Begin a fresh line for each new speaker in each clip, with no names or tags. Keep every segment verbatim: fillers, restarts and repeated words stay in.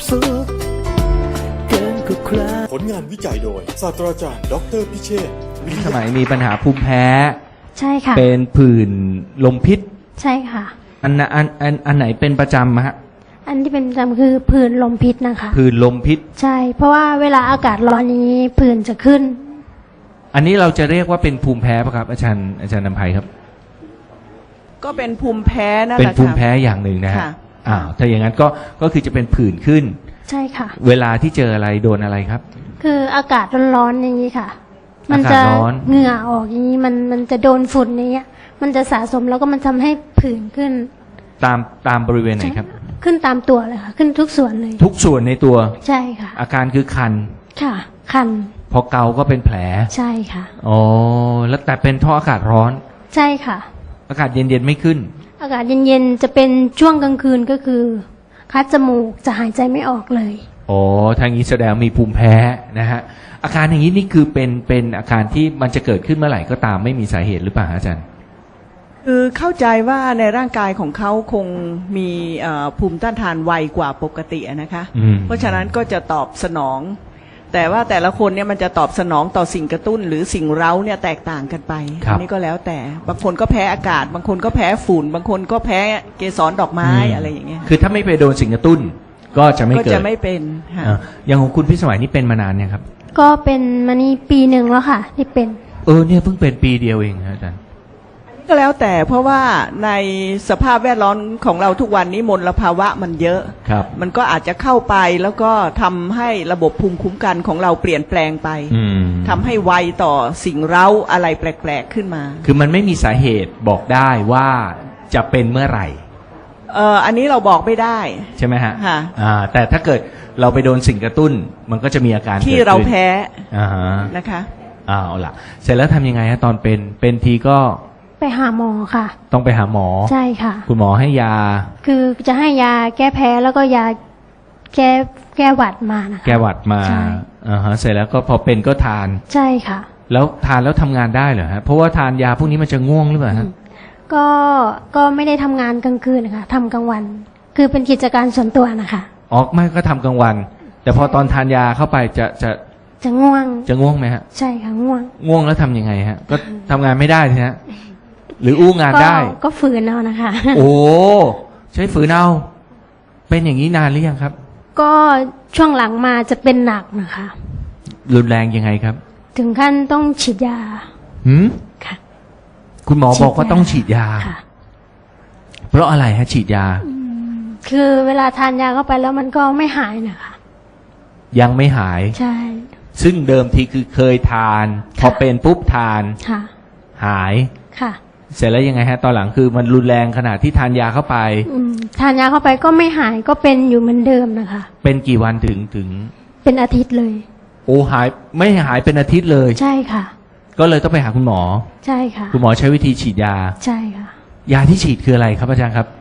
สุขเกินกว่าใคร
ผลงานวิจัยโดยศาสตราจารย์ดอกเตอรพิเชษฐ์วิท
ส
ยา
มัยมีปัญหาภูมิแพ้
ใช่ค่ะ
เป็นผื่นลมพิษ
ใช่ค่ะ
อันน่ะอันอันอันไหนเป็นประจำฮะ
อันที่เป็นประจำคือผื่นลมพิษนะคะ
ผื่นลมพิษ
ใช่ เพราะว่าเวลาอากาศร้อนอย่างนี้ผื่นจะขึ้น
อันนี้เราจะเรียกว่าเป็นภูมิแพ้ป่ะครับอาจารย์อาจารย์นำภัยครับ
ก็เป็นภูมิแพ้นั่น
เป็
แห
น
ละ
ภูมิ
ค่ะ
แพ้อย่างหนึ่งนะฮะ
ค่ะ
อ้าวถ้าอย่างนั้นก็ก็คือจะเป็นผื่นขึ้น
ใช่ค่ะ
เวลาที่เจออะไรโดนอะไรครับ
คืออากาศร้อนๆอย่างนี้ค่ะ มั
อากาศ
จะ
ร้อน
เหงื่อออกอย่างนี้มันมันจะโดนฝุ่นอย่างเงี้ย มันจะสะสมแล้วก็มันทำให้ผื่นขึ้น
ตามตามบริเวณไหนครับ
ขึ้นตามตัวเลยค่ะ ขึ้นทุกส่วนเลย
ทุกส่วนในตัว
ใช่ค่ะ
อาการคือคัน
ค่ะ คัน
พอเกาก็เป็นแผล
ใช่ค่ะ
อ๋อแล้วแต่เป็นเพราะอากาศร้อน
ใช่ค่ะ
อากาศเย็นๆไม่ขึ้น
อากาศเย็นๆจะเป็นช่วงกลางคืนก็คือ คัดจมูกจะหายใจไม่ออกเลย
อ๋อทางนี้แสดงมีภูมิแพ้นะฮะ อาการอย่างนี้นี่คือเป็นเป็นอาการที่มันจะเกิดขึ้นเมื่อไหร่ก็ตามไม่มีสาเหตุหรือเปล่าอาจารย์
คือเข้าใจว่าในร่างกายของเขาคงมีเอ่อภูมิต้านทานไวกว่าปกติอะนะคะ
อืม
เพราะฉะนั้นก็จะตอบสนอง แต่ว่าแต่ละคนเนี่ยมันจะตอบสนองต่อสิ่งกระตุ้น หรือสิ่งเร้าเนี่ยแตกต่างกันไป
ครับ
อันี้ก็แล้วแต่บางคนก็แพ้อากาศ บางคนก็แพ้ฝุ่น บางคนก็แพ้เกสรดอกไม้อะไรอย่างเงี้ย
คือถ้าไม่ไปโดนสิ่งกระตุ้น ก็จะไม่
ก็
เกิด
จะไม่เป็นค่ะ
อ่าอย่างของคุณพิสมัยนี่เป็นมานานเนี่ยครับ
ก็เป็นมานี่ปีหนึ่งแล้วค่ะ ที่เป็น
เออเนี่ยเพิ่งเป็นปีเดียวเองครับอาจารย์
ก็แล้วแต่เพราะว่าในสภาพแวดล้อมของเราทุกวันนี้มลภาวะมันเยอะ
ครับ
มันก็อาจจะเข้าไปแล้วก็ทำให้ระบบภูมิคุ้มกันของเราเปลี่ยนแปลงไป
อืม
ทำให้ไวต่อสิ่งเร้าอะไรแปลกๆขึ้นมา
คือมันไม่มีสาเหตุบอกได้ว่าจะเป็นเมื่อไหร่
เอ่ออันนี้เราบอกไม่ได้
ใช่ไหมฮะ
ค่ะ
อ่า แต่ถ้าเกิดเราไปโดนสิ่งกระตุ้น มันก็จะมีอาการ
ที่
กิดขึ้น
เราแพ้
อ่าฮะ
นะคะ
อ้าวล่ะ เสร็จแล้วทำยังไงฮะตอนเป็นเป็นทีก็
ไปหาหมอค่ะ
ต้องไปหาหมอ
ใช่ค่ะ
คุณหมอให้ยา
คือจะให้ยาแก้แพ้แล้วก็ยาแก้แก้หวัดมานะคะ
แก้หวัดมา
ใช่
อ่าฮะเสร็จแล้วก็พอเป็นก็ทาน
ใช่ค่ะ
แล้วทานแล้วทำงานได้เหรอฮะเพราะว่าทานยาพวกนี้มันจะง่วงหรือเปล่าฮะ
ก็ก็ไม่ได้ทำงานกลางคืนนะคะทำกลางวัน คือเป็นกิจการส่วนตัวนะคะ
อ๋อไม่ก็ทำกลางวัน แต่พอตอนทานยาเข้าไปจะจะ
จะง่วง
จะง่วงไหมฮะ
ใช่ค่ะง่วง
ง่วงแล้วทำยังไงฮะ ก็ทำงานไม่ได้ใช่ฮะหรืออู้งาน
ก็
ได้
ก็ฝืนเอานะคะ
โอ้ใช้ฝืนเอาเป็นอย่างนี้นานหรือยังครับ
ก็ช่วงหลังมาจะเป็นหนักนะคะ
รุนแรงยังไงครับ
ถึงขั้นต้องฉีดยา
หืม
ค่ะ
คุณหมอบอกว่าต้องฉีดยา
ค่ะ
เพราะอะไรฮะ ฉีดยา
คือเวลาทานยาเข้าไปแล้วมันก็ไม่หายนะคะ
ยังไม่หาย
ใช่
ซึ่งเดิมทีคือเคยทาน พอเป็นปุ๊บทาน
ค่ะ
หาย
ค่ะ
เสร็จแล้วยังไงฮะ ตอนหลังคือมันรุนแรงขนาดที่ทานยาเข้าไป
อืมทานยาเข้าไปก็ไม่หายก็เป็นอยู่เหมือนเดิมนะคะ
เป็นกี่วันถึงถึง
เป็นอาทิตย์เลย
โอ้หายไม่หายเป็นอาทิตย์เลย
ใช่ค่ะ
ก็เลยต้องไปหาคุณหมอ
ใช่ค่ะ
คุณหมอใช้วิธีฉีดยา
ใช่ค่ะ
ยาที่ฉีดคืออะไรครับอาจารย์ครับ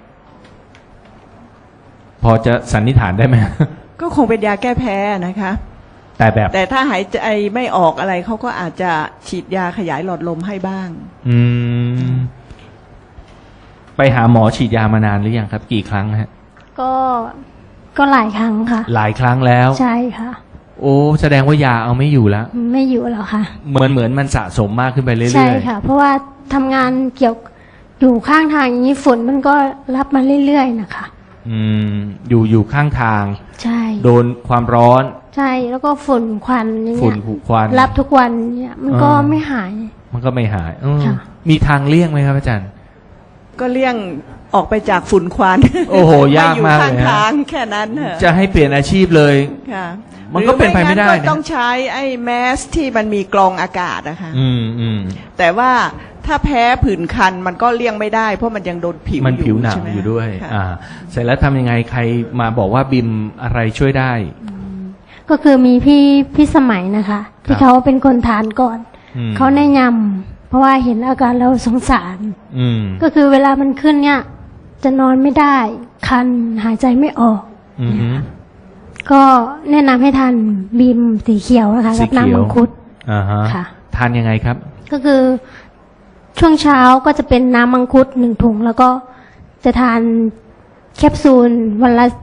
พอจะสันนิษฐานได้ไหม
ก็คงเป็นยาแก้แพ้นะคะ
แต่แบบ
แต่ถ้าหายใจไม่ออกอะไรเขาก็อาจจะฉีดยาขยายหลอดลมให้บ้าง
อืม ไปหาหมอฉีดยามานานหรือยังครับ กี่ครั้งฮะ
ก็ก็หลายครั้งค่ะ
หลายครั้งแล้ว
ใช่ค่ะ
โอ้แสดงว่ายาเอาไม่อยู่แล้ว
ไม่อยู่แล้วค่ะ
เหมือนเหมือนมันสะสมมากขึ้นไปเรื่อยๆ
ใช่ค่ะ เพราะว่าทำงานเกี่ยวอยู่ข้างทางอย่างนี้ฝนมันก็รับมาเรื่อยๆนะคะ
อืม อยู่อยู่ข้างทาง
ใช่
โดนความร้อน
ใช่แล้วก็ฝุ่นควันอย่าง
ฝุ่
เงี้
น
ย
ผุควัน
รับทุกวันเนี่ยมันก็
อ่า
ไม่หาย
มันก็ไม่หายเออ
ค่ะ
มีทางเลี่ยงไหมครับอาจารย์
ก็เลี่ยงออกไปจากฝุ่นควัน
โอ้โหยาก
อยู่
มาก
ข้าง
เลยฮะ
ทางแค่นั้นเถอะ
จะให้เปลี่ยนอาชีพเลย
ค่ะ
มันก็เป็นไปไม่ได้
หรืองั้น
นะ
ก็ต้องใช้ไอ้แมสที่มันมีกรองอากาศนะคะ
อืมอืม
แต่ว่าถ้าแพ้ผื่นคันมันก็เลี่ยงไม่ได้ เพราะมันยังโดนผิว
มันผิวหนัง
ใช่ไม
อยู่ด้วย
ค่ะ
อ่า เสร็จแล้วทำยังไงใครมาบอกว่าบิมอะไรช่วยได้
ก็คือมีพี่พี่สมัยนะคะ ที่เขาเป็นคนทานก่อน
อืม
เขาแนะนำเพราะว่าเห็นอาการแล้วสงสาร
อืม
ก็คือเวลามันขึ้นเนี่ย จะนอนไม่ได้ คันหายใจไม่ออก
อืมฮึ
ก็แนะนำให้ทานบีมสีเขียวนะคะ
สี
กับ
เขียว
น้ำมังคุด
อ่าฮะ
ค่ะ
ทานยังไงครับ
ก็คือช่วงเช้าก็จะเป็นน้ำมังคุดหนึ่งถุง แล้วก็จะทานแคปซูลวันละ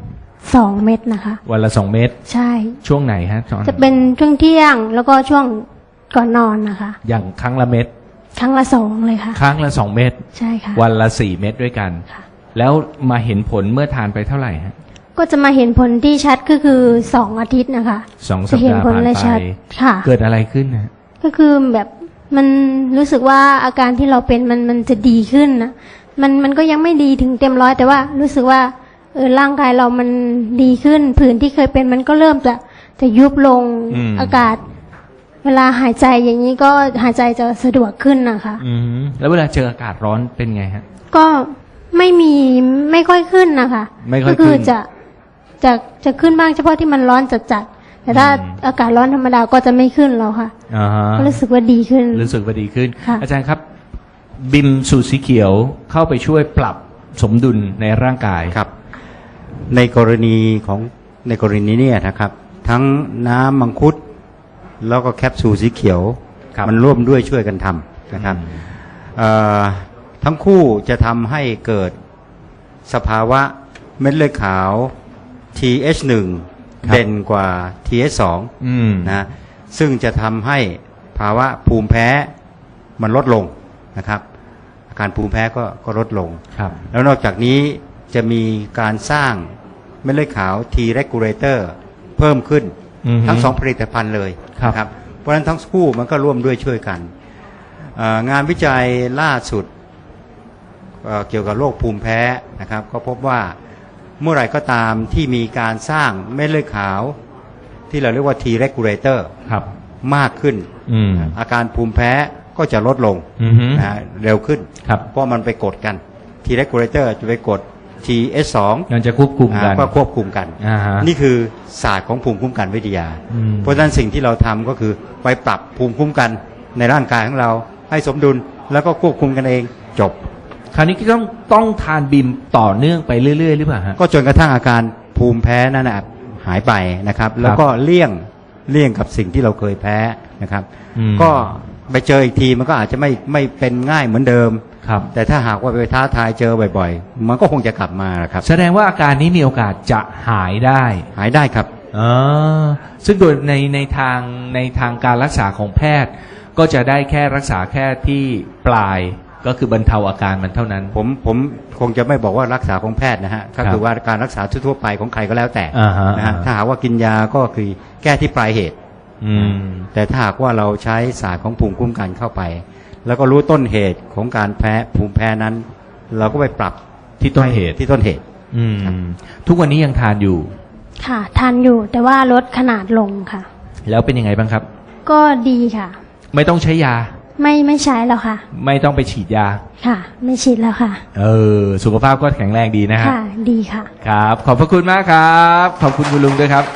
สองเม็ดนะคะ
วันละสองเม็ด
ใช่
ช่วงไหนฮะตอน
จะเป็นช่วงเที่ยงแล้วก็ช่วงก่อนนอนนะคะ
อย่างครั้งละเม็ด
ครั้งละสองเลยค่ะ
ครั้งละสองเม็ด
ใช่ค่ะ
วันละสี่เม็ดด้วยกัน
ค่ะ
แล้วมาเห็นผลเมื่อทานไปเท่าไหร่ฮะ
ก็จะมาเห็นผลที่ชัดก็คือสองอาทิตย์นะคะ
สองสัป
จะเห็น
ดาห์
ผล
ผ่าน
เลย
ไป
ชัดค่ะ
เกิดอะไรขึ้นนะ
ก็คือแบบมันรู้สึกว่าอาการที่เราเป็นมันมันจะดีขึ้นนะมันมันก็ยังไม่ดีถึงเต็มร้อยแต่ว่ารู้สึกว่าเออร่างกายเรามันดีขึ้นผื่นที่เคยเป็นมันก็เริ่มจะจะยุบลงอากาศ เวลาหายใจอย่างนี้ก็หายใจจะสะดวกขึ้นนะคะ
อืมแล้วเวลาเจออากาศร้อนเป็นไงฮะ
ก็ไม่มีไม่ค่อยขึ้นนะคะ
ไม่ค่อย
ก็คือ
ขึ้น
จะจะจะขึ้นบ้างเฉพาะที่มันร้อนจัดๆแต่ถ้า
อืม
อากาศร้อนธรรมดาก็จะไม่ขึ้นแล้วค่ะ
อ่าฮะ
ก็รู้สึกว่าดีขึ้น
รู้สึกว่าดีขึ้น
ค่ะ
อาจารย์ครับ บิมสูตรสีเขียวเข้าไปช่วยปรับสมดุลในร่างกาย
ครับในกรณีของในกรณีเนี่ยนะครับ ทั้งน้ำมังคุดแล้วก็แคปซูลสีเขียว
ครับ
มันร่วมด้วยช่วยกันทำนะครับเอ่อทั้งคู่จะทำให้เกิดสภาวะเม็ดเลือดขาว ที เอช หนึ่ง
ครับ
เด่นกว่า ที เอช สอง
อืม
นะซึ่งจะทำให้ภาวะภูมิแพ้มันลดลงนะครับอาการภูมิแพ้ก็ก็ลดลง
ครับ
แล้วนอกจากนี้จะมีการสร้างเม็ดเลือดขาว T regulator เพิ่มขึ้น
อือฮึ
ทั้งสองผลิตภัณฑ์เลย
ครับ
นะครับเพราะฉะนั้นทั้งคู่มันก็ร่วมด้วยช่วยกันเอ่องานวิจัยล่าสุดเอ่อเกี่ยวกับโรคภูมิแพ้นะครับก็พบว่าเมื่อไหร่ก็ตามที่มีการสร้างเม็ดเลือดขาว ที่เราเรียกว่า T regulator
ครับ
มากขึ้น
อืม
อาการภูมิแพ้ก็จะลดลง
อือฮึ
นะฮะเร็วขึ้น
ครับ
เพราะมันไปกดกัน T regulator จะไปกด ที เอช สอง
มันจะควบคุมกัน
ก็ควบคุมกัน
อ่าฮะ
นี่คือศาสตร์ของภูมิคุ้มกันวิทยา
อืม
เพราะฉะนั้นสิ่งที่เราทำก็คือไปปรับภูมิคุ้มกันในร่างกายของเราให้สมดุลแล้วก็ควบคุมกันเองจบ
คราวนี้ก็ต้องต้องทานบิมต่อเนื่องไปเรื่อยๆหรือเปล่าฮะ
ก็จนกระทั่งอาการภูมิแพ้นั้นนะหายไปนะครับ แล้วก็เลี่ยงเลี่ยงกับสิ่งที่เราเคยแพ้นะครับ
อืม
ก็ไปเจออีกทีมันก็อาจจะไม่ไม่เป็นง่ายเหมือนเดิม
ครับ
แต่ถ้าหากว่าไปท้าทายเจอบ่อยๆ มันก็คงจะกลับมาครับ
แสดงว่าอาการนี้มีโอกาสจะหายได้
หายได้ครับ
อ๋อซึ่งโดยในในทางในทางการรักษาของแพทย์ ก็จะได้แค่รักษาแค่ที่ปลายก็คือบรรเทาอาการมันเท่านั้น
ผมผมคงจะไม่บอกว่ารักษาของแพทย์นะฮะก็
ครับ
คือว่าการรักษาทั่วๆไปของใครก็แล้วแต่
อ่าฮะ
นะฮะ
อ่าฮะ
ถ้าหากว่ากินยาก็คือแก้ที่ปลายเหตุ
อืม
แต่ถ้าหากว่าเราใช้ศาสตร์ของภูมิคุ้มกันเข้าไป แล้วก็รู้ต้นเหตุของการแพ้ภูมิแพ้นั้น เราก็ไปปรับ
ที่ต้นเหตุ
ที่ต้นเหตุ
อืมทุกวันนี้ยังทานอยู่
ค่ะทานอยู่แต่ว่าลดขนาดลงค่ะ
แล้วเป็นยังไงบ้างครับ
ก็ดีค่ะ
ไม่ต้องใช้ยา
ไม่ไม่ใช้แล้วค่ะ
ไม่ต้องไปฉีดยา
ค่ะ ไม่ฉีดแล้วค่ะ
เออ สุขภาพก็แข็งแรงดีนะฮะ
ค่ะ ดีค่ะ
ครับ ขอบพระคุณมากครับ ขอบคุณคุณลุงด้วยครับ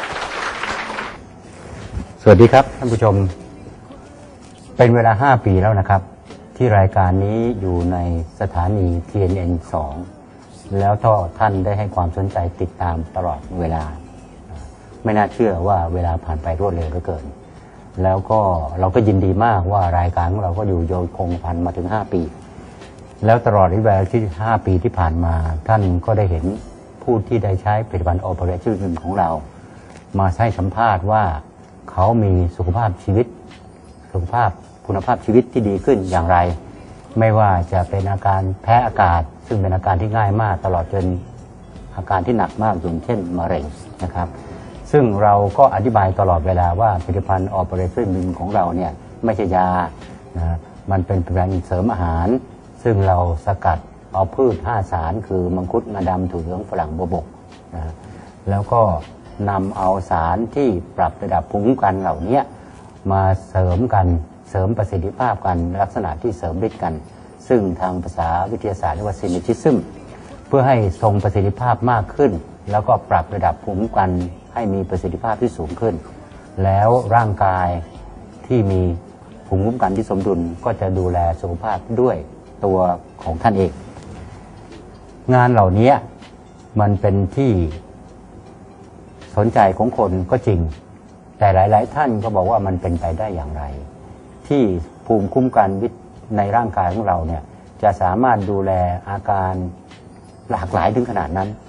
สวัสดีครับท่านผู้ชม เป็นเวลาห้าปีแล้วนะครับ ที่รายการนี้อยู่ในสถานี ที เอ็น เอ็น สอง แล้วก็ท่านได้ให้ความสนใจติดตามตลอดเวลา ไม่น่าเชื่อว่าเวลาผ่านไปรวดเร็วเหลือเกิน แล้วก็เราก็ยินดีมากว่ารายการของเราก็อยู่โยงคงพันมาถึงห้าปี แล้วตลอดระยะเวลาที่ห้าปีที่ผ่านมาท่านก็ได้เห็นผู้ที่ได้ใช้ผลิตภัณฑ์ Operation ของเรา มาให้สัมภาษณ์ว่าเขามีสุขภาพชีวิต สุขภาพคุณภาพชีวิตที่ดีขึ้นอย่างไร ไม่ว่าจะเป็นอาการแพ้อากาศ ซึ่งเป็นอาการที่ง่ายมากตลอดจนอาการที่หนักมากอย่างเช่นมะเร็งนะครับ ซึ่งเราก็อธิบายตลอดเวลาว่าผลิตภัณฑ์ Operation ของเราเนี่ยไม่ใช่ยานะมันเป็นผลิตภัณฑ์เสริมอาหาร ซึ่งเราสกัดเอาพืชห้าสารคือมังคุดงาดำถั่วเหลืองฝรั่งบัวบกนะแล้วก็นำเอาสารที่ปรับระดับภูมิคุ้มกันเหล่านี้มาเสริมกันเสริมประสิทธิภาพกันลักษณะที่เสริมฤทธิ์กัน ซึ่งทางภาษาวิทยาศาสตร์เรียกว่า synergism เพื่อให้ทรงประสิทธิภาพมากขึ้น แล้วก็ปรับระดับภูมิคุ้มกันให้มีประสิทธิภาพที่สูงขึ้น แล้วร่างกายที่มีภูมิคุ้มกันที่สมดุลก็จะดูแลสุขภาพด้วยตัวของท่านเอง งานเหล่านี้มันเป็นที่สนใจของคนก็จริง แต่หลายๆท่านก็บอกว่ามันเป็นไปได้อย่างไร ที่ภูมิคุ้มกันในร่างกายของเราเนี่ยจะสามารถดูแลอาการหลากหลายถึงขนาดนั้น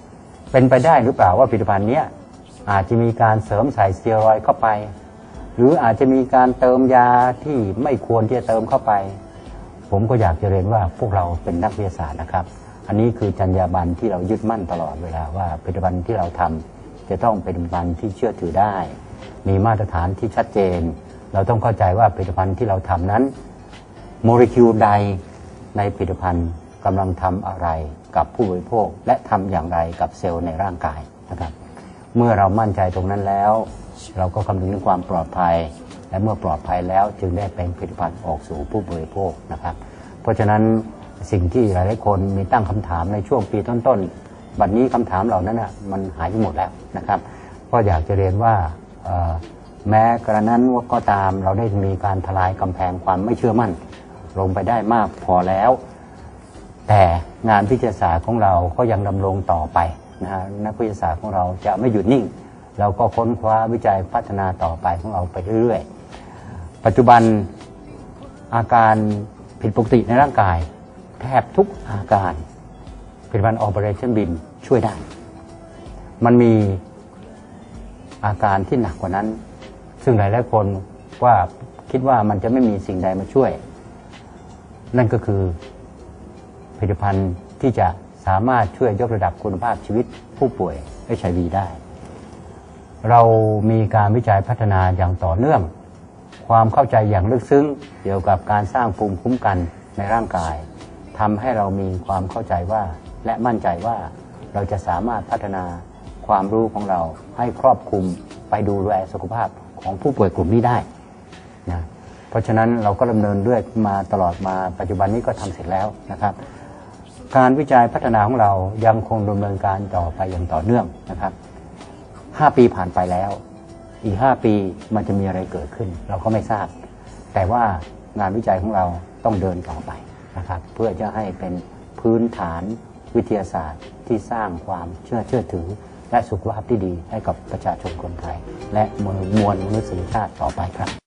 เป็นไปได้หรือเปล่าว่าผลิตภัณฑ์นี้อาจจะมีการเสริมใส่สเตียรอยด์เข้าไปหรืออาจจะมีการเติมยาที่ไม่ควรที่จะเติมเข้าไปผมก็อยากจะเรียนว่าพวกเราเป็นนักวิทยาศาสตร์นะครับอันนี้คือจรรยาบรรณที่เรายึดมั่นตลอดเวลาว่าผลิตภัณฑ์ที่เราทำจะต้องเป็นผลิตภัณฑ์ที่เชื่อถือได้มีมาตรฐานที่ชัดเจนเราต้องเข้าใจว่าผลิตภัณฑ์ที่เราทำนั้นโมเลกุลใดในผลิตภัณฑ์กำลังทำอะไรกับผู้บริโภคและทำอย่างไรกับเซลล์ในร่างกายนะครับเมื่อเรามั่นใจตรงนั้นแล้วเราก็คำนึงถึงความปลอดภัยและเมื่อปลอดภัยแล้วจึงได้เป็นผลิตภัณฑ์ออกสู่ผู้บริโภคนะครับเพราะฉะนั้นสิ่งที่หลายๆคนมีตั้งคำถามในช่วงปีต้นๆบัดนี้คำถามเหล่านั้นนะมันหายไปหมดแล้วนะครับก็อยากจะเรียนว่าแม้กระนั้นก็ตามเราได้มีการทลายกำแพงความไม่เชื่อมั่นลงไปได้มากพอแล้วแต่งานวิทยาศาสตร์ของเราก็ยังดำรงต่อไปนะฮะนักวิทยาศาสตร์ของเราจะไม่หยุดนิ่งเราก็ค้นคว้าวิจัยพัฒนาต่อไปของเราไปเรื่อยๆปัจจุบันอาการผิดปกติในร่างกายแทบทุกอาการผลิตภัณฑ์ Operationบี เอ็ม ช่วยได้มันมีอาการที่หนักกว่านั้นซึ่งหลายๆคนว่าคิดว่ามันจะไม่มีสิ่งใดมาช่วยนั่นก็คือผลิตภัณฑ์ที่จะสามารถช่วยยกระดับคุณภาพชีวิตผู้ป่วย เอช ไอ วี ได้เรามีการวิจัยพัฒนาอย่างต่อเนื่องความเข้าใจอย่างลึกซึ้งเกี่ยวกับการสร้างภูมิคุ้มกันในร่างกายทำให้เรามีความเข้าใจว่าและมั่นใจว่าเราจะสามารถพัฒนาความรู้ของเราให้ครอบคลุมไปดูแลสุขภาพของผู้ป่วยกลุ่มนี้ได้นะเพราะฉะนั้นเราก็ดำเนินเรื่อยมาตลอดมาปัจจุบันนี้ก็ทำเสร็จแล้วนะครับการวิจัยพัฒนาของเรายังคงดำเนินการต่อไปอย่างต่อเนื่องนะครับห้าปีผ่านไปแล้วอีกห้าปีมันจะมีอะไรเกิดขึ้นเราก็ไม่ทราบแต่ว่างานวิจัยของเราต้องเดินต่อไปนะครับเพื่อจะให้เป็นพื้นฐานวิทยาศาสตร์ที่สร้างความเชื่อเชื่อถือและสุขภาพที่ดีให้กับประชาชนคนไทยและมวลมนุษยชาติต่อไปครับ